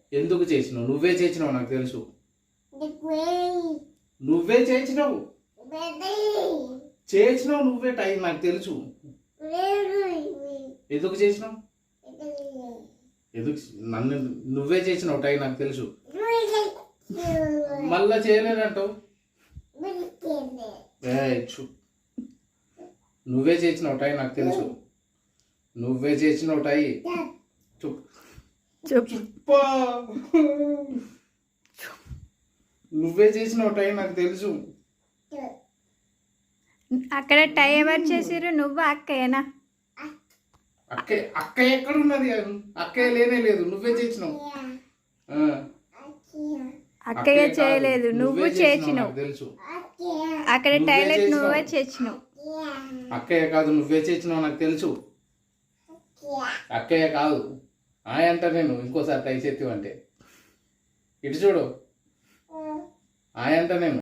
ఎందుకు చేసినావు? నువ్వే చేసినావు, నాకు తెలుసు. నువ్వే చేసినావు నువ్వే టైం, నాకు తెలుసు. ఎందుకు చేసినావు? ఎందుకు నన్ను నువ్వే చేసినావు టైం, నాకు తెలుసు. మళ్ళా చేయలేదంటావు. నువ్వే చేసినావు టైం, నాకు తెలుసు. నువ్వే చేసినావు టై. నువ్వే చేసినావు టై, నాకు తెలుసు. అక్కడ టై ఎవరు చేసిర్రు? నువ్వు అక్కయ్యనా? అక్క ఎక్కడున్నది? అక్కయ్య లేనే లేదు, నువ్వే చేసినావు. అక్కయ్య చేయలేదు, నువ్వు చేసినావు. తెలుసు. అక్కడ టైలెట్ నువ్వే చేసినావు. అక్కయ్య కాదు, నువ్వే చేసినావు, నాకు తెలుసు. అక్కయ్య కాదు. అంట నేను ఇంకోసారి టై చేతివంటే ఇటు చూడు. అంట నేను